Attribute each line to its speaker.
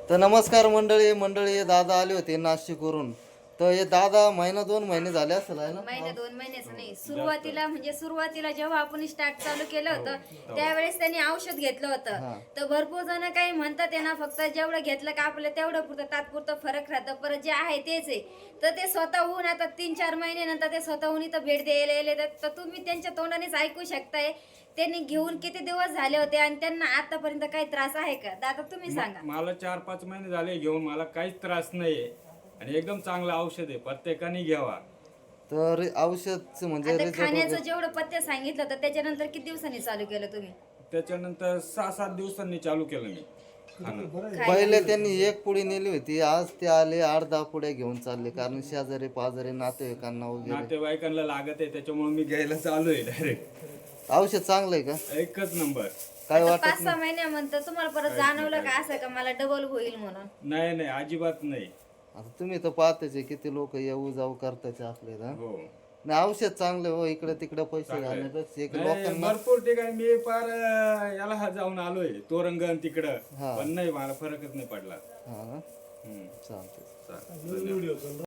Speaker 1: तर नमस्कार मंडळी दादा आले होते नाशिकवरून. तर हे दादा महिना 2 महिने झाले असेल आहे ना?
Speaker 2: महिने 2 महिन्याचं नाही, सुरुवातीला जेव्हा आपण स्टार्ट चालू केलं होतं त्यावेळेस त्यांनी औषध घेतलं होतं. तर भरपूर जण काही म्हणतात आहे ना, फक्त जेवढं घेतलं का आपलं तेवढं पुरतं तात्पुरतं फरक राहतं, परत जे आहे तेच आहे. तर ते स्वतःहून आता 3-4 महिन्यानंतर ते स्वतःहून इथं भेट द्यायला येले. तर तुम्ही त्यांच्या तोंडानेच ऐकू शकताय त्यांनी घेऊन किती दिवस झाले होते आणि त्यांना आतापर्यंत काही त्रास आहे का. दादा तुम्ही सांगा.
Speaker 3: मला 4-5 महिने झाले घेऊन, मला काहीच त्रास नाहीये आणि एकदम चांगलं औषध आहे, प्रत्येकाने घ्यावा.
Speaker 1: तर औषध म्हणजे
Speaker 2: आता
Speaker 1: रिझल्ट
Speaker 2: खाण्याचं
Speaker 1: वगैरे
Speaker 2: जेवढं पथ्य सांगितलं तर त्याच्यानंतर किती दिवसांनी चालू केलं तुम्ही
Speaker 3: त्याच्यानंतर 6-7 दिवसांनी चालू केलं मी खाणं.
Speaker 1: पहिले त्यांनी एक पुडी नेली होती, आज ते आले 8-10 पुड्या घेऊन चालले, कारण शेजारी पाजारी नातेवाईकांना वगैरे.
Speaker 3: नातेवाईकांना लागत आहे त्याच्यामुळे मी घ्यायला चालू आहे डायरेक्ट.
Speaker 1: औषध चांगलं आहे का?
Speaker 3: एकच नंबर.
Speaker 1: काय
Speaker 2: आता
Speaker 1: वाटत
Speaker 2: 5-6 महिन्यानंतर तुम्हाला परत जाणवलं का असं का मला डबल होईल म्हणून.
Speaker 3: नाही नाही, अजिबात नाही.
Speaker 1: आता तुम्ही तर पाहतेच आहे किती लोक येऊ जाऊ करताचे आपल्याला.
Speaker 3: हो
Speaker 1: नाही औषध चांगलं हो, इकडे तिकडे पैसे
Speaker 3: चांगलं आहे.
Speaker 1: घालण्यापेक्षा एक
Speaker 3: नाही,
Speaker 1: लोकांना.
Speaker 3: भरपूर ठिकाणी मी फार याला जाऊन आलोय तोरंगण तिकडं,
Speaker 1: हा.
Speaker 3: पण नाही मला फरकच नाही पडला.
Speaker 1: हा ना,
Speaker 3: हम्म.
Speaker 1: चालतंय.
Speaker 3: चालेल.